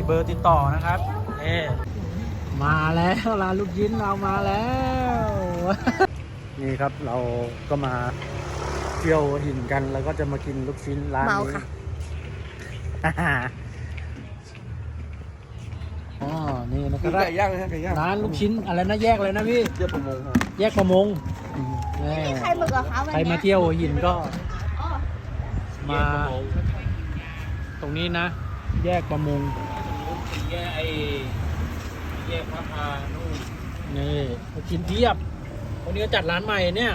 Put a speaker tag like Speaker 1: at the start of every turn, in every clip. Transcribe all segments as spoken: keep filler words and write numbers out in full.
Speaker 1: เบอร์ติดต่อนะครับเอมาแล้วร้านลูกชิ้นเรามาแล้ว นี่ครับเราก็มาเที่ยวหินกันแล้วก็จะมากินลูกชิ้นร้านนี้อ๋อนี่นะครับ
Speaker 2: ไก่ย่างนะไก่ย่าง
Speaker 1: ร้านลูกชิ้นอะไรนะแยกเลยนะพี่
Speaker 2: แยกประมงครับ
Speaker 1: แยกประมง
Speaker 3: ใครมากับเขา
Speaker 1: ใครมาเที่ยวหัวหินก็มาตรงนี้นะ แยกประมงแยกไอแยกพระพานู่นนี่ลูกชิ้นเทียบวันนี้ก็จัดร้านใหม่เนี่ย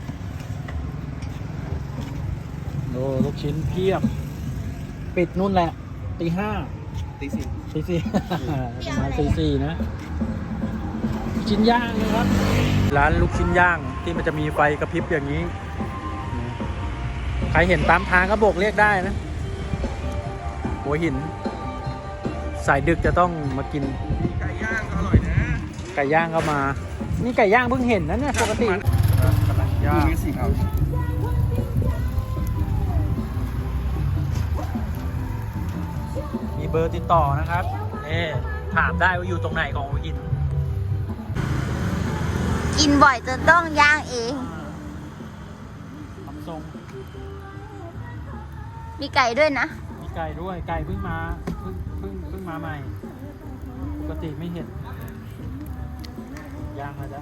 Speaker 1: โอ้ลูกชิ้นเพียบปิดนู่นแหละตีห้า
Speaker 2: ตีสี่
Speaker 1: ตีสี่ ประมาณตีสี่นะลูกชิ้นย่างนะครับร้านลูกชิ้นย่างที่มันจะมีไฟกระพริบอย่างนี้ใครเห็นตามทางก็โบกเรียกได้นะหัวหินสายดึกจะต้องมากิน
Speaker 2: ไก่ย่างอร่อยนะ
Speaker 1: ไก่ย่างก็มานี่ไก่ย่างเพิ่งเห็นนะเนี่ยปกติกำลังย่าง
Speaker 2: มีสี่ครับ
Speaker 1: มีเบอร์ติดต่อนะครับเอ๊ถามได้ว่าอยู่ตรงไหนของหัวหิน
Speaker 3: กินบ่อยจนต้องย่างเอง
Speaker 1: ทำทรง
Speaker 3: มีไก่ด้วยนะ
Speaker 1: มีไก่ด้วยไก่เพิ่งมาเพิ่งเพิ่งเพิ่งมาใหม่ปกติไม่เห็นย่างมาจ้ะ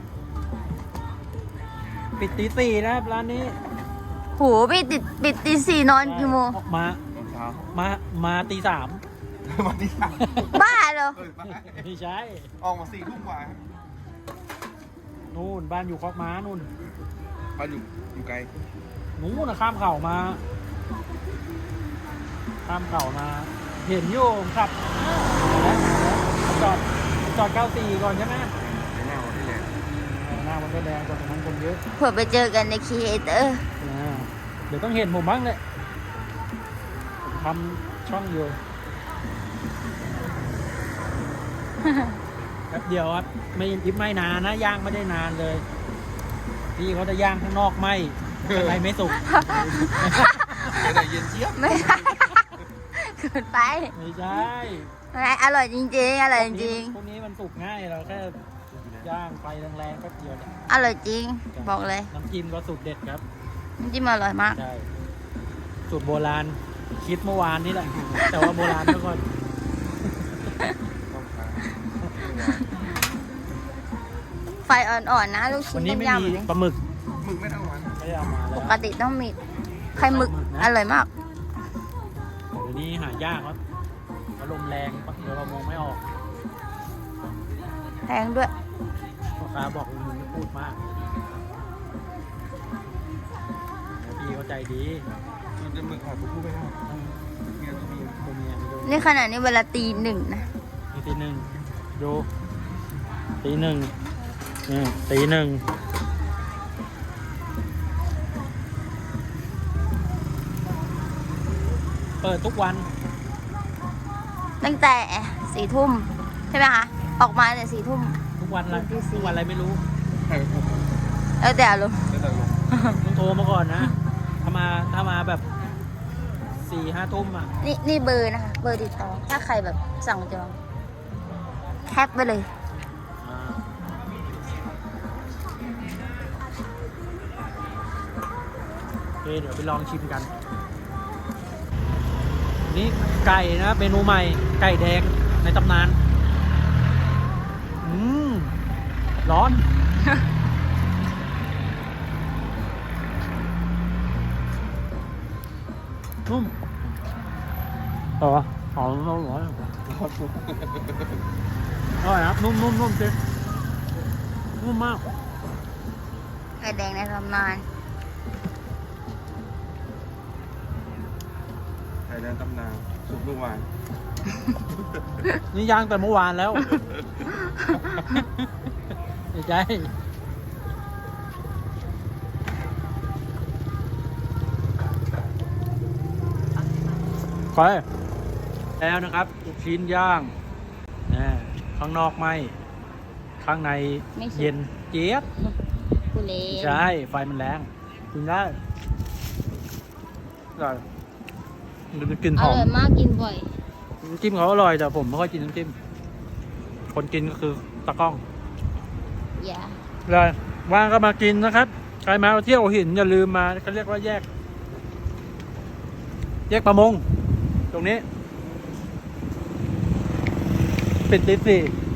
Speaker 1: ปิดตีสี่นะครับร้านนี้
Speaker 3: หูปิดติดปิดตีสี่นอนกี่โมง
Speaker 1: มา
Speaker 2: ตอนเช้า
Speaker 1: มามาตีสาม
Speaker 2: มาที่สาม
Speaker 3: บ้าเหรอ
Speaker 2: เออมา
Speaker 1: ไม่ใช่
Speaker 2: ออกมาสี่ทุ่มกว่า
Speaker 1: นู่นบ้านอยู่คอกม้านู่น
Speaker 2: บ้านอยู่อยู่ไกล
Speaker 1: นู่นนะข้ามเข่ามา ข้ามเข่ามา เห็นอยู่ครับจอดจอดเก้าสี่ก่อนใช่ไหม
Speaker 2: ในหน้าวันที่แรง
Speaker 1: หน้ามันก็แดงกว่าตรงนั้นคนเยอะ
Speaker 3: เผื่อไปเจอกันในครีเอเตอร์
Speaker 1: อ่าเดี๋ยวต้องเห็นผมบ้างเลยผมทำช่องอยู่ แป๊บเดียวครับไม่ไม่นานนะย่างไม่ได้นานเลยพี่เขาจะย่างข้างนอกไม่ข้างในไม่สุก
Speaker 2: แต่เย็นเจี๊ยบ
Speaker 3: ไม่ใช่เกินไป
Speaker 1: ไม่ใช่
Speaker 3: อะไรอร่อยจริงๆอร่อยจริง
Speaker 1: พวกนี้มันสุกง่ายเราแค่ย่างไฟแรงๆแป๊บเดียวเนี่ย
Speaker 3: อร่อยจริง บอกเลย
Speaker 1: น้ำจิ้มก็สูตรเด็ดครับ
Speaker 3: น้ำจิ้มอร่อยมาก
Speaker 1: ใช่สูตรโบราณคิดเมื่อวานนี่แหละ แต่ว่าโบราณเมื่อก่อน
Speaker 2: ต้องค้า
Speaker 3: ไฟอ่อนๆนะลูกชิ้
Speaker 1: วัน
Speaker 3: น
Speaker 1: นี้
Speaker 3: ต้ม
Speaker 1: ไม่
Speaker 3: ย
Speaker 1: มีปลาหมึก
Speaker 2: มึงไม่เท่าวัน
Speaker 1: ไม่ได้เอามา
Speaker 3: ำ
Speaker 1: แล้
Speaker 3: ป
Speaker 1: ว
Speaker 3: กติต้องมีไข่หมึกอร่อยมาก
Speaker 1: เดี๋ยวนี้หายากครับเพราะลมแรงเดี๋ยวเรามองไม่ออก
Speaker 3: แพงด้วย
Speaker 1: พ่อค้าบอกมึงไม่พูดมากแล้วพี่เขาใจดี
Speaker 2: มันจะมึงขาดตัวผู้ไม่ได้เมียตัวเมีย
Speaker 1: ตัวเมียไม่ดู
Speaker 3: นี่ขนาดนี้เวลาตีหนึ่งนะ
Speaker 1: นี่ตีหนึ่งดูตีหนึ่งนี่ตีหนึ่งเปิดทุกวัน
Speaker 3: ตั้งแต่สี่ทุ่มใช่ไหมคะ ออกมาแต่สี่ทุ่ม
Speaker 1: ทุกวันอะไร
Speaker 3: ตีสี่
Speaker 1: ทุกวันอะไรไม่รู้
Speaker 2: ใช่ครับ
Speaker 3: แล้วแต่อารมณ์
Speaker 2: แล้วแต่ลง
Speaker 1: ต้องโทรมาก่อนนะ ถ้ามาถ้ามาแบบสี่ห้าทุ่มอ่ะ
Speaker 3: นี่นี่เบอร์นะคะ เบอร์ติดต่อ ถ้าใครแบบสั่งจองแคปไปเลย
Speaker 1: อ่าโอเคเดี๋ยวไปลองชิมกัน นี่ไก่นะเมนูใหม่ ไก่แดงในตำนาน อืม ร้อน นุ่มต่อหอมร้อนร้อนอร่อยครับ นุ่มนุ่มนุ่มจริงนุ่มมาก
Speaker 3: ไข่แดงในตำนาน
Speaker 2: ไข่แดงตำนานสุกเมื่อวาน
Speaker 1: นี่ย่างแต่เมื่อวานแล้ว ไม่ใช่ไปแล้วนะครับลูกชิ้นย่างนะข้างนอกไหมข้างใน
Speaker 3: ไม่สุก
Speaker 1: เย็นเจี๊ยบ
Speaker 3: กุเลน
Speaker 1: ใช่ ไฟมันแรงกินได้อร่อยมันจะกลิ่น
Speaker 3: อ
Speaker 1: หอม
Speaker 3: ร่อยมากกินบ่อย
Speaker 1: ำจิ้มเขาอร่อยแต่ผมไม่ค่อยกินน้ำจิ้มคนกินก็คือตะกล้อง
Speaker 3: อย่า
Speaker 1: เลยว่างก็มากินนะครับใครมาเที่ยวหัวหินอย่าลืมมาเขาเรียกว่าแยก แยกประมง ตรงนี้ปิดตีสี่